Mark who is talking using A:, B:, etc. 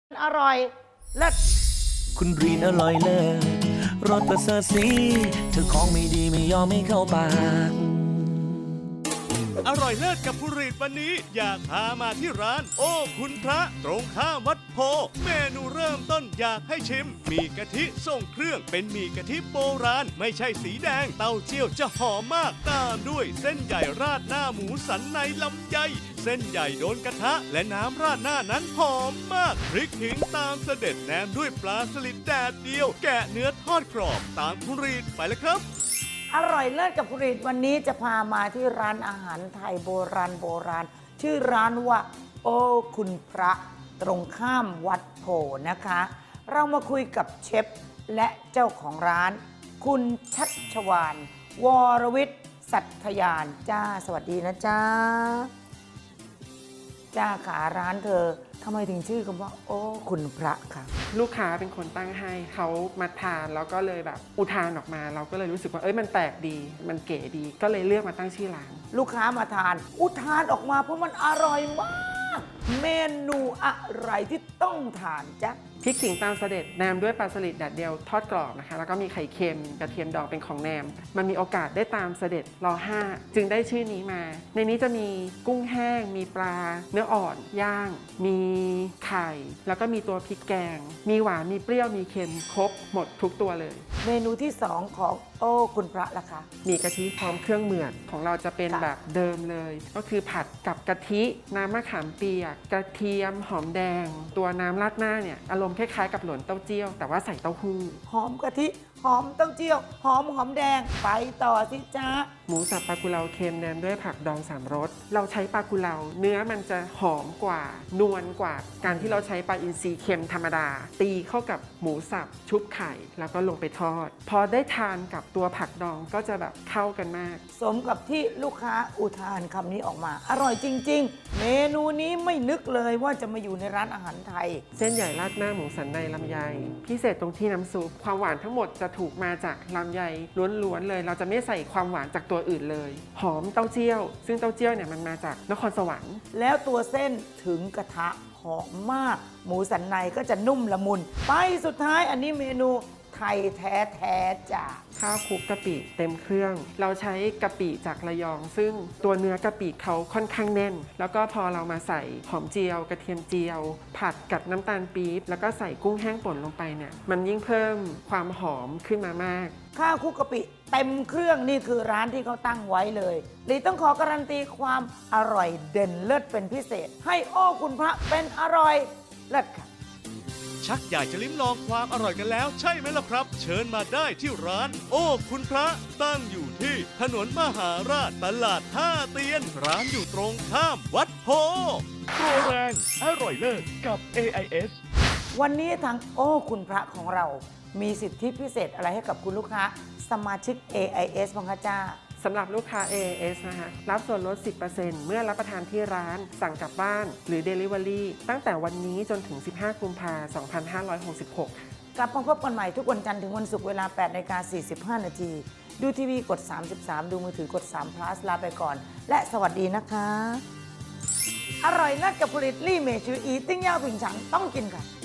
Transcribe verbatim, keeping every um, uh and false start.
A: อร่อยเลิศ
B: คุณรีนอร่อยเลิศรสประเสริฐสีเธอของไม่ดีไม่ยอมไม่เข้าปาก
C: อร่อยเลิศกับผู้รีดวันนี้อยากพามาที่ร้าน โอ้คุณพระตรงข้ามวัดโพเมนูเริ่มต้นอยากให้ชิมมีกะทิส่งเครื่องเป็นหมี่กะทิโบราณไม่ใช่สีแดงเต้าเจี้ยวจะหอมมากตามด้วยเส้นใหญ่ราดหน้าหมูสันในลำไยเส้นใหญ่โดนกระทะและน้ำราดหน้านั้นหอมมากพริกขิงตามเสด็จแนมด้วยปลาสลิดแดดเดียวแกะเนื้อทอดกรอบตามผู้รีดไปเลยครับ
A: อร่อยเลิศกับผลิตวันนี้จะพามาที่ร้านอาหารไทยโบราณโบราณชื่อร้านว่าโอ้คุณพระตรงข้ามวัดโพนะคะ เรามาคุยกับเชฟและเจ้าของร้าน คุณชัชวาลวรวิทย์สัตยานจ้าสวัสดีนะจ้าจ้าขาร้านเธอทำไมถึงชื่อคำว่าโอ้คุณพระคะ
D: ลูกค้าเป็นคนตั้งให้เขามาทานแล้วก็เลยแบบอุทานออกมาเราก็เลยรู้สึกว่าเอ้ยมันแปลกดีมันเก๋ดีก็เลยเลือกมาตั้งชื่อร้าน
A: ลูกค้ามาทานอุทานออกมาเพราะมันอร่อยมากเมนูอะไรที่ต้องทานจ๊ะ
D: พริกขิงตามเสด็จแนมด้วยปลาสลิดแดดเดียวทอดกรอบนะคะแล้วก็มีไข่เค็มกระเทียมดองเป็นของแนมมันมีโอกาสได้ตามเสด็จรอห้าจึงได้ชื่อนี้มาในนี้จะมีกุ้งแห้งมีปลาเนื้ออ่อนย่างมีไข่แล้วก็มีตัวพริกแกงมีหวานมีเปรี้ยวมีเค็มครบหมดทุกตัวเลย
A: เมนูที่สองของโอ้คุณพระล่ะคะ
D: มีกะทิพร้อมเครื่องเหมือนของเราจะเป็นแบบเดิมเลยก็คือผัดกับกะทิน้ำมะขามเปียกกระเทียมหอมแดงตัวน้ำราดหน้าเนี่ยอารมณ์คล้ายๆกับหลวนเต้าเจี้ยวแต่ว่าใส่เต้าหู้
A: หอมกะทิหอมเต้าเจี้ยวหอมหอมแดงไปต่อสิจ้า
D: หมูสับปลากุเลาเค็มแนมด้วยผักดองสามรสเราใช้ปลากุเลาเนื้อมันจะหอมกว่านวลกว่าการที่เราใช้ปลาอินทรีเค็มธรรมดาตีเข้ากับหมูสับชุบไข่แล้วก็ลงไปทอดพอได้ทานกับตัวผักดองก็จะแบบเข้ากันมาก
A: สมกับที่ลูกค้าอุทานคำนี้ออกมาอร่อยจริงๆเมนูนี้ไม่นึกเลยว่าจะมาอยู่ในร้านอาหารไทย
D: เส้นใหญ่ราดหน้าหมูสันในลำไยพิเศษตรงที่น้ำซุปความหวานทั้งหมดจะถูกมาจากลำไยล้วนๆเลยเราจะไม่ใส่ความหวานจากตัวอื่นเลยหอมเต้าเจี้ยวซึ่งเต้าเจี้ยวเนี่ยมันมาจากนครสวรรค์
A: แล้วตัวเส้นถึงกระทะหอมมากหมูสันในก็จะนุ่มละมุนไปสุดท้ายอันนี้เมนูไทยแท้ๆจ้ะ
D: ข้าวคลุกกะปิเต็มเครื่องเราใช้กะปิจากระยองซึ่งตัวเนื้อกะปิเขาค่อนข้างแน่นแล้วก็พอเรามาใส่หอมเจียวกระเทียมเจียวผัดกับน้ำตาลปี๊บแล้วก็ใส่กุ้งแห้งป่นลงไปเนี่ยมันยิ่งเพิ่มความหอมขึ้นมามาก
A: ข้าวคลุกกะปิเต็มเครื่องนี่คือร้านที่เขาตั้งไว้เลยลีต้องขอการันตีความอร่อยเด่นเลิศเป็นพิเศษให้โอ้คุณพระเป็นอร่อยเลิศค่ะ
C: ชักอยากจะลิ้มลองความอร่อยกันแล้วใช่ไหมล่ะครับเชิญมาได้ที่ร้านโอ้คุณพระตั้งอยู่ที่ถนนมหาราชตลาดท่าเตียนร้านอยู่ตรงข้ามวัดโพโปรแรงอร่อยเลิศกับ เอ ไอ เอส
A: วันนี้ทางโอ้คุณพระของเรามีสิทธิพิเศษอะไรให้กับคุณลูกค้าสมาชิก เอ ไอ เอส บ้างคะจ้า
D: สำหรับลูกค้า เอ เอ เอส นะคะรับส่วนลด สิบเปอร์เซ็นต์ เมื่อรับประทานที่ร้านสั่งกลับบ้านหรือ Delivery ตั้งแต่วันนี้จนถึง สิบห้ากุมภาพันธ์ สองพันห้าร้อยหกสิบหก
A: กลับมาพบกันใหม่ทุกวันจันทร์ถึงวันศุกร์เวลา แปดนาฬิกาสี่สิบห้า นาที ดูทีวีกด สามสิบสาม ดูมือถือกด สาม plus ลาไปก่อน และสวัสดีนะคะ อร่อยนัดกับผลิตลี่เมชืออีติ้งย่าผิงฉังต้องกินค่ะ